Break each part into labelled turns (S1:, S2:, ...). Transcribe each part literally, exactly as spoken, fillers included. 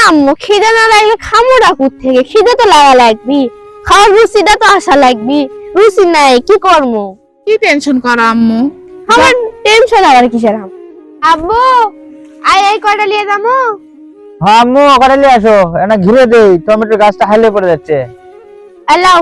S1: আম্মু খিদে না লাগলে খামোটা কোত্থেকে? খিদে তো লাগা লাগবি, খাওয়ার রুচিটা তো আসা লাগবি। রুচি নাই কি করব?
S2: কি টেনশন করো আম্মু?
S1: আমার টেনশন আবার কিসের? আব্বু আই আই কয়টা নিয়ে যাবো?
S3: হ্যাঁ আম্মু ওখানে নিয়ে আসো, এটা ঘিরে দেই, টমেটোর গাছটা হাইলে পড়ে যাচ্ছে।
S1: এলাও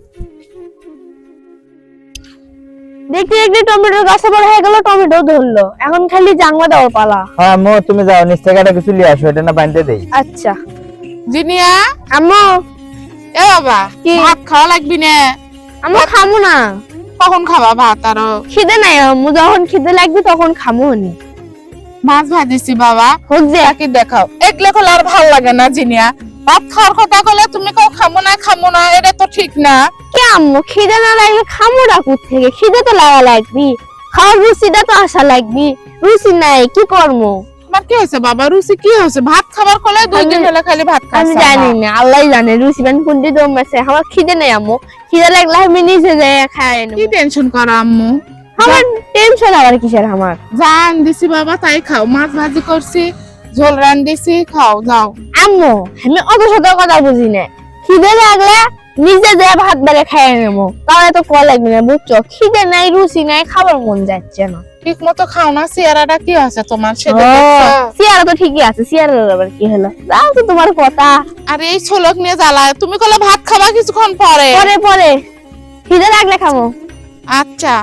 S1: দেখতে দেখতে টমেটোর গাছে বড় হয়ে গেল, টমেটো ধরলো, এখন খালি জাংলা দেওয়ার পালা।
S3: হ্যাঁ আম্মু তুমি যাও, নিচ থেকে একটা কিছু নিয়ে আসো, এটা না বানতে দেই।
S1: আচ্ছা
S2: জিনিয়া,
S1: আম্মু।
S2: এ বাবা,
S1: কি?
S2: ভাত খাওয়া লাগবি না?
S1: আম্মু খামু না।
S2: কখন খাবা ভাত? আরো
S1: খিদে নাই আম্মু, যখন খিদে লাগবে তখন খামু নি।
S2: মাছ ভাজিছি বাবা,
S1: হোক যে।
S2: কি দেখাও, এগুলো করলে আর ভাল লাগে না জিনিয়া। ভাত খাওয়ার কথা বলে তুমি কেউ খামো না খামো না, এটা তো ঠিক না।
S1: কে আম্মু খিদে না লাগলে খামুটা কোত্থেকে? খিদে তো লাগা লাগবি, খাওয়ার রুচিটা তো আসা লাগবি। রুচি নাই কি করবো?
S2: তোমার কি হয়েছে বাবা? রুচি কি হয়েছে? ভাত খাবার করলে দুই দিন হলে খালি ভাত খাচ্ছ।
S1: আমি জানি না, আল্লাহ জানে রুচি বান কোনটি দম আছে। আমার খিদে নেই আম্মু, খিদে লাগলে আমি নিজে যাই খাই নেব।
S2: কি টেনশন করো আম্মু?
S1: আমার টেনশন আবার কিসের? আমার
S2: জান দিছি বাবা, তাই খাও। মাছ ভাজি করছি, ঝোল রান দিছি, খাও যাও।
S1: আম্মু আমি অত শত কথা বুঝি না। খিদে লাগলে নিজে যে ভাত বেড়ে খাই নেবো, তাহলে তো কল লাগবে না বুঝছো? খিদে নাই রুচি নাই, খাবার মন যাচ্ছে না।
S2: ঠিক মতো খাও না। চেহারাটা কি আছে তোমার?
S1: ও,
S2: সেটা দেখছো?
S1: চেয়ারা তো ঠিকই আছে, চেয়ারের আবার কি হলো? যাও তো তোমার কথা।
S2: আর এই ছোলক নিয়ে জ্বালায়। তুমি কলে ভাত খাবা কিছুক্ষণ পরে।
S1: পরে পরে খিদে লাগলে খাবো।
S2: আচ্ছা,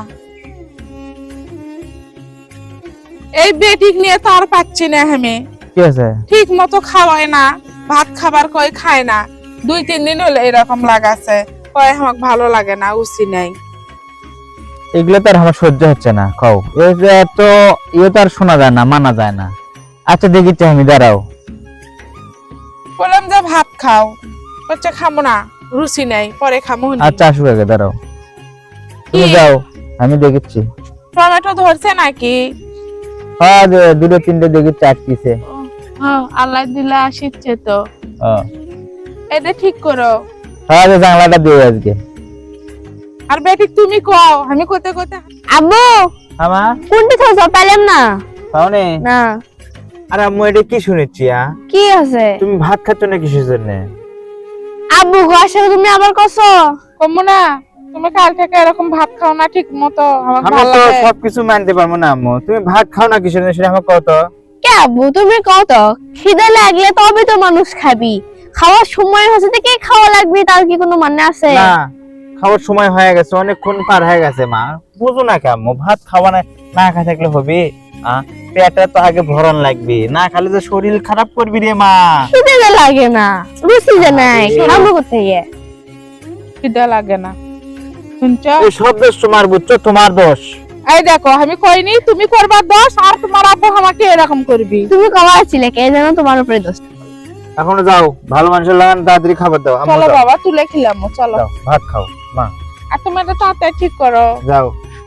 S2: এই বেটিক নিয়ে তো আর পাচ্ছি না আমি।
S3: কি আছে?
S2: ঠিক মতো খাওয়ায় না, ভাত খাবার কই খায় না। দুই তিন দিন হলে এরকম লাগাছে, কয় আমার ভালো লাগে না, উচি নাই।
S3: এগুলো তো আর আমার সহ্য হচ্ছে না, খাও। এটা তো ইয়ে তো আর শোনা যায় না, মানা যায় না। আচ্ছা দেখিচ্ছি আমি, দাঁড়াও।
S2: বললাম যে ভাত খাও, বলছে খামো না, রুচি নাই, পরে খামো নি।
S3: আচ্ছা আসুক আগে, দাঁড়াও। তুমি
S2: কি?
S3: যাও, আমি দেখিচ্ছি।
S2: টমেটো ধরছে নাকি?
S3: হ্যাঁ যে- দুটো তিনটে দেখিচ্ছি আটকিছে।
S2: হ্যাঁ, আল্লাহ দিলে আসিচ্ছে তো।
S3: হ্যাঁ
S2: এটা ঠিক করো।
S3: হ্যাঁ, যে জানলাটা দিয়ে আজকে।
S2: আর বেটি তুমি কও, আমি কোতে কোতে।
S1: আব্বু
S3: আমা
S1: কোনটি থাকছো? পেলাম না।
S3: পাওনে?
S1: না
S3: আরে আম্মু এটা কি শুনেছি? আ
S1: কি আছে?
S3: তুমি ভাত খাচ্ছ না কিসের জন্য?
S1: আব্বু ঘরে তুমি আবার কছো?
S2: কমো না, তুমি কাল থেকে এরকম ভাত খাও না ঠিক মতো, আমার
S3: আমি
S2: ভালো
S3: তো
S2: লাগে।
S3: সবকিছু মানতে পারবো না আম্মু, তুমি ভাত খাও না কিসের জন্য সেটা আমার কত।
S1: কে আব্বু তুমি কত? খিদে লাগলে তবে তো মানুষ খাবি, খাওয়ার সময় হচ্ছে তো কে খাওয়া লাগবে তার কি কোনো মানে আছে?
S3: না, খাওয়ার সময় হয়ে গেছে, অনেকক্ষণ পার হয়ে গেছে মা, বুঝো না কে আম্মু? ভাত খাওয়া না, না খা থাকলে হবে? আহ পেটে তো আগে ভরণ লাগবে, না খালি যে শরীর খারাপ করবি রে মা।
S1: খিদে যে লাগে না, রুচি যে নাই,
S3: আরে।
S1: খাবো কোথায়?
S2: খিদে লাগে না, শুনছো?
S3: এই সব দোষ তোমার, বুঝছো? তোমার দোষ।
S2: এই দেখো, আমি কইনি তুমি করবার দোষ, আর তোমার আব্বু আমাকে এরকম করবি।
S1: তুমি কবার ছিলে কে জানো তোমার উপরে দোষ।
S3: এখনো যাও, ভালো মানুষের লাগান, তাড়াতাড়ি খাবার দাও। আম্মু
S2: চলো
S3: যাও,
S2: বাবা, তুলে খেলাম, চলো।
S3: যাও, ভাত খাও মা,
S2: আর তুমি এটা তাড়াতাড়ি ঠিক করো।
S3: যাও।